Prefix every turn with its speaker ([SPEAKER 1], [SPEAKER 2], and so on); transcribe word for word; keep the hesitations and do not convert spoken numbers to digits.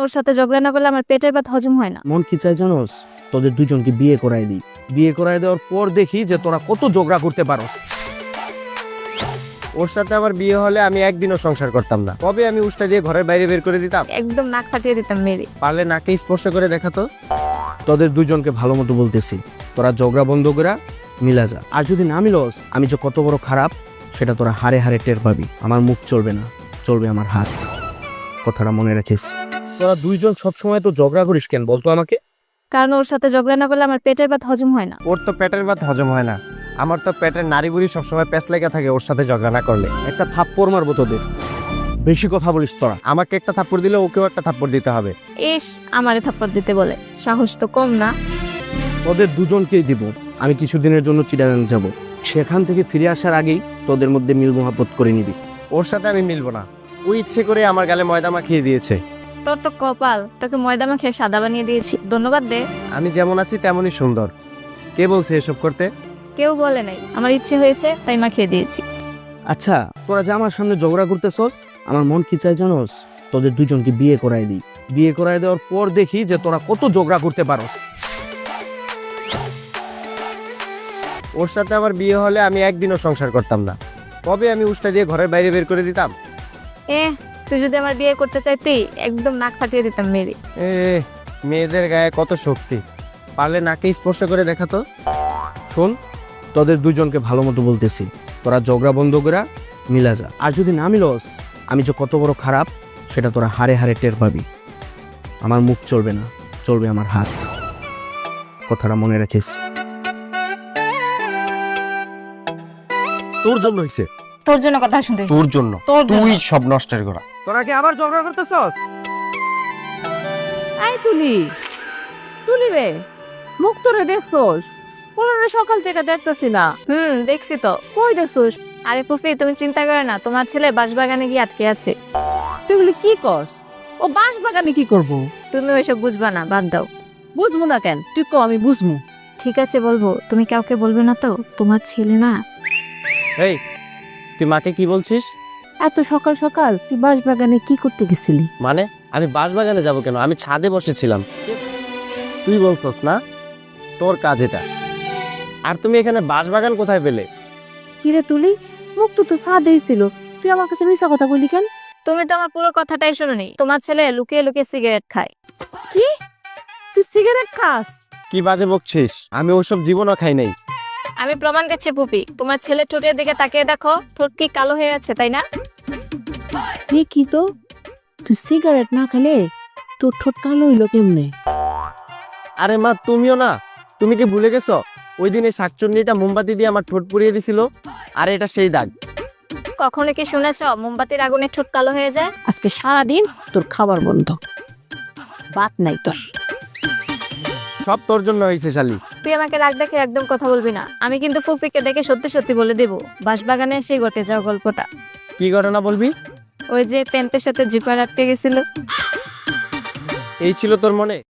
[SPEAKER 1] ওর সাথে ঝগড়া না করলে আমার পেটের ভাত হজম হয় না।
[SPEAKER 2] মন কি চাই জানোস? তোদের দুজনকে বিয়ে করাই দিই। বিয়ে করাই দেওয়ার পর দেখি যে তোরা কত ঝগড়া করতে পারোস।
[SPEAKER 3] ওর সাথে আমার বিয়ে হলে আমি একদিনও সংসার করতাম না। কবে আমি উষ্টা দিয়ে ঘরের বাইরে বের করে দিতাম।
[SPEAKER 1] একদম নাক ফাটিয়ে দিতাম মেরে।
[SPEAKER 3] পারলে নাকে স্পর্শ করে দেখাতো।
[SPEAKER 2] তোদের দুজনকে ভালো মতো বলতেছি, তোরা ঝগড়া বন্ধ করে মিলা যা। আর যদি না মিলস, আমি যে কত বড় খারাপ সেটা তোরা হারে হারে টের পাবি। আমার মুখ চলবে না, চলবে আমার হাত। কথাটা মনে রাখিস। তোরা দুইজন সবসময় তো ঝগড়া করিস কেন বলতো আমাকে?
[SPEAKER 1] কারণ ওর সাথে ঝগড়া না করলে আমার পেটের ভাত হজম হয় না।
[SPEAKER 3] ওর তো পেটের ভাত হজম হয় না, আমার তো পেটের নাড়ি বুড়ি সবসময় প্যাঁচ লেগে থাকে ওর সাথে ঝগড়া না করলে।
[SPEAKER 2] একটা থাপ্পড় মারবো তোদের, বেশি কথা বলিস তোরা।
[SPEAKER 3] আমাকে একটা থাপ্পড় দিলে ওকেও একটা থাপ্পড় দিতে হবে।
[SPEAKER 1] ইস, আমারে থাপ্পড় দিতে বলে, সাহস তো কম না।
[SPEAKER 2] তোদের দুজনকেই দিব। আমি কিছুদিনের জন্য চিটাগাং যাব, সেখান থেকে ফিরে আসার আগেই তোদের মধ্যে মিল মহাব্বত করে নিবি।
[SPEAKER 3] ওর সাথে আমি মিলবো না। ও ইচ্ছে করে আমার গালে ময়দা মাখিয়ে দিয়েছে।
[SPEAKER 1] তোর তো কপাল, তোকে ময়দা মাখিয়ে সাদা বানিয়ে দিয়েছি, ধন্যবাদ দে।
[SPEAKER 3] আমি যেমন আছি তেমনই সুন্দর। কে বলছে এসব করতে?
[SPEAKER 1] কেউ বলে নাই, আমার ইচ্ছে হয়েছে তাই মাখিয়ে দিয়েছি।
[SPEAKER 2] আচ্ছা, তোরা যে আমার সামনে ঝগড়া করতেছস, আমার মন কি চাই জানোস? তোদের দুজনকে বিয়ে করাই দিই। বিয়ে করাই দেওয়ার পর দেখি যে তোরা কত ঝগড়া করতে পারোস।
[SPEAKER 3] ওর সাথে আমার বিয়ে হলে আমি একদিনও সংসার করতাম না। কবে আমি উষ্টা দিয়ে ঘরের বাইরে বের করে দিতাম।
[SPEAKER 1] এ তুই যদি আমার বিয়ে করতে চাইতি, একদম নাক ফাটিয়ে দিতাম মেরে।
[SPEAKER 3] এ মেয়েদের গায়ে কত শক্তি, পারলে নাকে স্পর্শ করে দেখাতো।
[SPEAKER 2] শোন, তোদের দুজনকে ভালো মতো বলতেছি, তোরা ঝগড়া বন্ধ করে মিলা যা। আর যদি না মিলস, আমি যে কত বড় খারাপ সেটা তোরা হারে হারে টের পাবি। আমার মুখ চলবে না, চলবে আমার হাত। কথাটা মনে রাখিস।
[SPEAKER 3] তোর জন্য হইছে,
[SPEAKER 1] তোর জন্য কথা শুনতে
[SPEAKER 3] তোর জন্য।
[SPEAKER 1] তোর জন্য।
[SPEAKER 3] তুই সব নষ্টের গোড়া।
[SPEAKER 2] তোরা কি আবার ঝগড়া করতেছস?
[SPEAKER 4] আই তুলি তুলি রে, মুখ তোরে দেখছোস? পুরো সকাল থেকে দেখতেছি না।
[SPEAKER 1] হুম, দেখছি তো।
[SPEAKER 4] কই দেখছোস?
[SPEAKER 1] আরে ফুফি, তুমি চিন্তা করো না, তোমার ছেলে বাঁশবাগানে গিয়ে আটকে আছে।
[SPEAKER 4] তুই এগুলি কি কস? ও বাঁশ বাগানে কি করবো?
[SPEAKER 1] তুমি ওইসব বুঝবা না, বাদ দাও।
[SPEAKER 4] বুঝবো না কেন? তুই ক, আমি বুঝবো।
[SPEAKER 1] ঠিক আছে বলবো, তুমি কাউকে বলবে না তো? তোমার ছেলে না।
[SPEAKER 3] এই তুই মাকে কি বলছিস?
[SPEAKER 4] এত সকাল সকাল তুই বাঁশ বাগানে কি করতে গেছিলি?
[SPEAKER 3] মানে আমি বাঁশবাগানে যাব কেন? আমি ছাদে বসেছিলাম। তুই বলছস না তোর কাজ এটা। আর তুমি এখানে বাঁশবাগান কোথায় পেলে?
[SPEAKER 4] কিরে তুলি, মুখ তো তোর ফাঁদেই ছিল, তুই আমার কাছে মিশা কথা বললি কেন?
[SPEAKER 1] তুমি তো আমার পুরো কথাটাই শোনোনি। তোমার ছেলে লুকিয়ে লুকিয়ে সিগারেট খায়।
[SPEAKER 4] কি? তুই সিগারেট খাস?
[SPEAKER 3] কি বাজে বকছিস? আমি ওসব জীবনও খাই নাই।
[SPEAKER 1] আমি প্রমাণ দিচ্ছি পুপি, তোমার ছেলে ঠোঁটের দিকে তাকিয়ে দেখো, ঠোঁট কি কালো হয়ে আছে, তাই না?
[SPEAKER 4] কি তো, তুই সিগারেট না খেলে তোর ঠোঁট কালো হইলো কেমনে?
[SPEAKER 3] আরে মা, তুমিও না, তুমি কি ভুলে গেছো ওই দিন এই শাকচুন্নিটা মোমবাতি দিয়ে আমার ঠোঁট পুড়িয়ে দিছিল? আর এটা সেই দাগ।
[SPEAKER 1] কখনো কি শুনেছো মোমবাতির আগুনে ঠোঁট কালো হয়ে যায়?
[SPEAKER 4] আজকে সারাদিন তোর খাবার বন্ধ, বাত নাই তোর।
[SPEAKER 3] সব তোর জন্য হয়েছে শালি।
[SPEAKER 1] তুই আমাকে রাগ দেখে একদম কথা বলবি না। আমি কিন্তু ফুফিকে দেখে সত্যি সত্যি বলে দেবো বাঁশবাগানে সেই ঘটে যাওয়া গল্পটা।
[SPEAKER 3] কি ঘটনা বলবি?
[SPEAKER 1] ওই যে প্যান্টের সাথে জিপার আটকে গেছিল।
[SPEAKER 3] এই ছিল তোর মনে?